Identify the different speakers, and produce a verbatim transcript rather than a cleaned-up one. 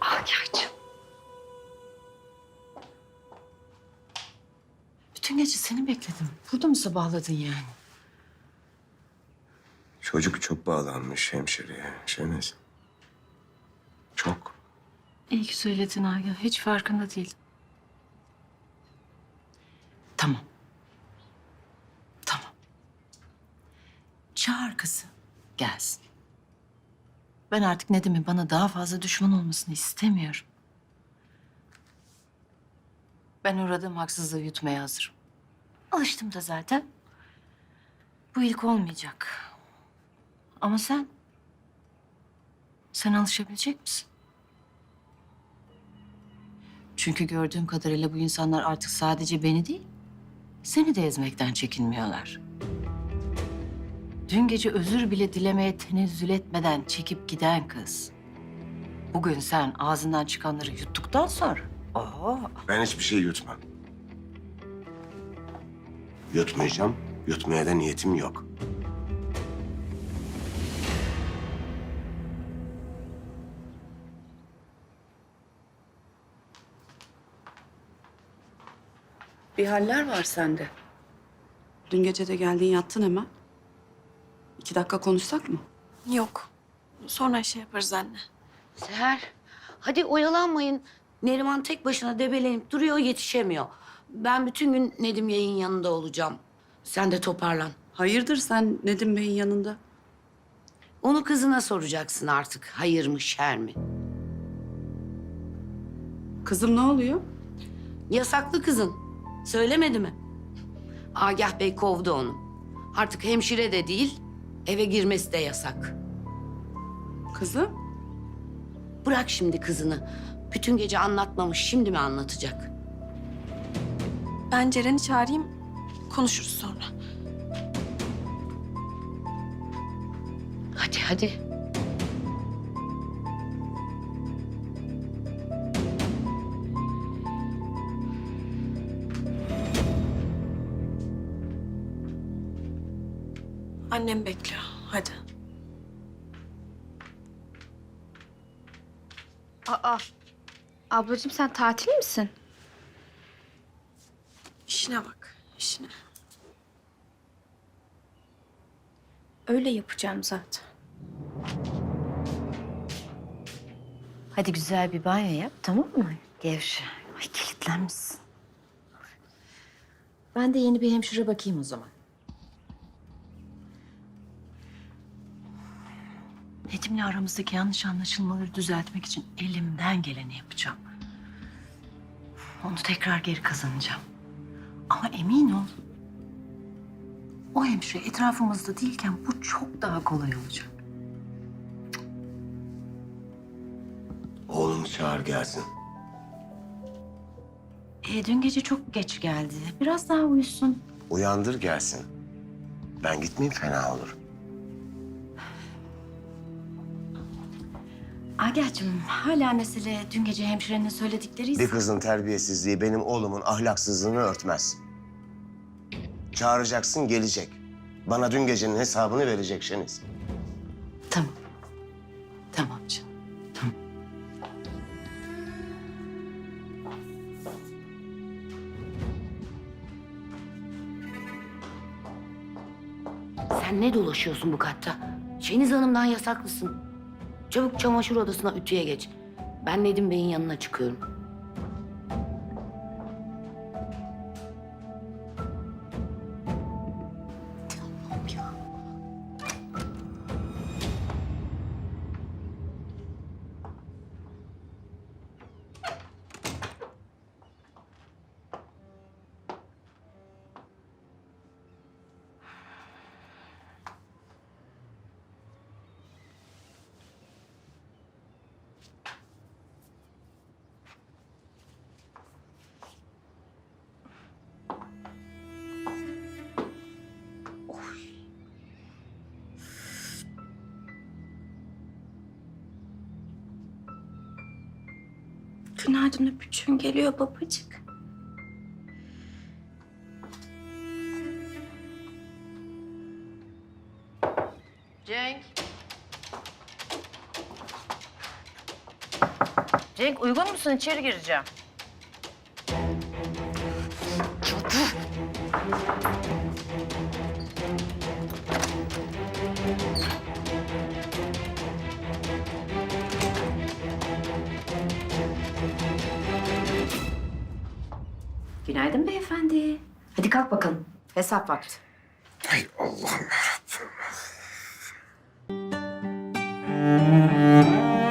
Speaker 1: Agah'cığım. Bütün gece seni bekledim. Burada mı sabahladın yani?
Speaker 2: Çocuk çok bağlanmış hemşireye Şeniz. Çok.
Speaker 1: İyi ki söyledin Agah. Hiç farkında değildim. Tamam. Tamam. Çağır kızı. Gelsin. Ben artık Nedim'in bana daha fazla düşman olmasını istemiyorum. Ben uğradığım haksızlığı yutmaya hazırım. Alıştım da zaten. Bu ilk olmayacak. Ama sen... Sen alışabilecek misin? Çünkü gördüğüm kadarıyla bu insanlar artık sadece beni değil, seni de ezmekten çekinmiyorlar. Dün gece özür bile dilemeye tenezzül etmeden çekip giden kız. Bugün sen ağzından çıkanları yuttuktan sonra... Oo,
Speaker 2: Ben hiçbir şey yutmam. Yutmayacağım. Yutmaya da niyetim yok.
Speaker 3: Bir haller var sende. Dün gece de geldin yattın hemen. İki dakika konuşsak mı?
Speaker 4: Yok. Sonra şey yaparız anne.
Speaker 5: Seher, hadi oyalanmayın. Neriman tek başına debelenip duruyor, yetişemiyor. Ben bütün gün Nedim Yay'ın yanında olacağım. Sen de toparlan.
Speaker 3: Hayırdır sen Nedim Bey'in yanında?
Speaker 5: Onu kızına soracaksın artık. Hayır mı, şer mi?
Speaker 3: Kızım ne oluyor?
Speaker 5: Yasaklı kızın. Söylemedi mi? Agah Bey kovdu onu. Artık hemşire de değil, eve girmesi de yasak.
Speaker 3: Kızım?
Speaker 5: Bırak şimdi kızını. Bütün gece anlatmamış, şimdi mi anlatacak?
Speaker 4: Ben Ceren'i çağırayım, konuşuruz sonra.
Speaker 5: Hadi, hadi.
Speaker 4: Annem bekliyor, hadi.
Speaker 6: Aa, ablacığım sen tatil misin?
Speaker 4: İşine bak, işine.
Speaker 6: Öyle yapacağım zaten.
Speaker 1: hadi güzel bir banyo yap, tamam mı? Gevşe. Ay kilitlenmişsin. Ben de yeni bir hemşire bakayım o zaman. Nedim'le aramızdaki yanlış anlaşılmaları düzeltmek için elimden geleni yapacağım. Onu tekrar geri kazanacağım. Ama emin ol, o hemşire etrafımızda değilken bu çok daha kolay olacak.
Speaker 2: Oğlunu çağır gelsin.
Speaker 1: E, dün gece çok geç geldi. Biraz daha uyusun.
Speaker 2: Uyandır gelsin. Ben gitmeyeyim fena olur.
Speaker 1: Agah'cığım hala mesele dün gece hemşirenin söyledikleri.
Speaker 2: Bir kızın terbiyesizliği benim oğlumun ahlaksızlığını örtmez. Çağıracaksın gelecek. Bana dün gecenin hesabını verecek Şeniz.
Speaker 1: Tamam. Tamam canım. Tamam.
Speaker 5: Sen ne dolaşıyorsun bu katta? Şeniz Hanım'dan yasaklısın. Çabuk çamaşır odasına ütüye geç. Ben Nedim Bey'in yanına çıkıyorum.
Speaker 6: Günaydın öpücüğün geliyor babacık.
Speaker 5: Cenk.
Speaker 1: Cenk uygun musun? İçeri gireceğim.
Speaker 7: Günaydın beyefendi. Hadi kalk bakalım. Hesap vakti.
Speaker 2: Ay Allah'ım yarabbim.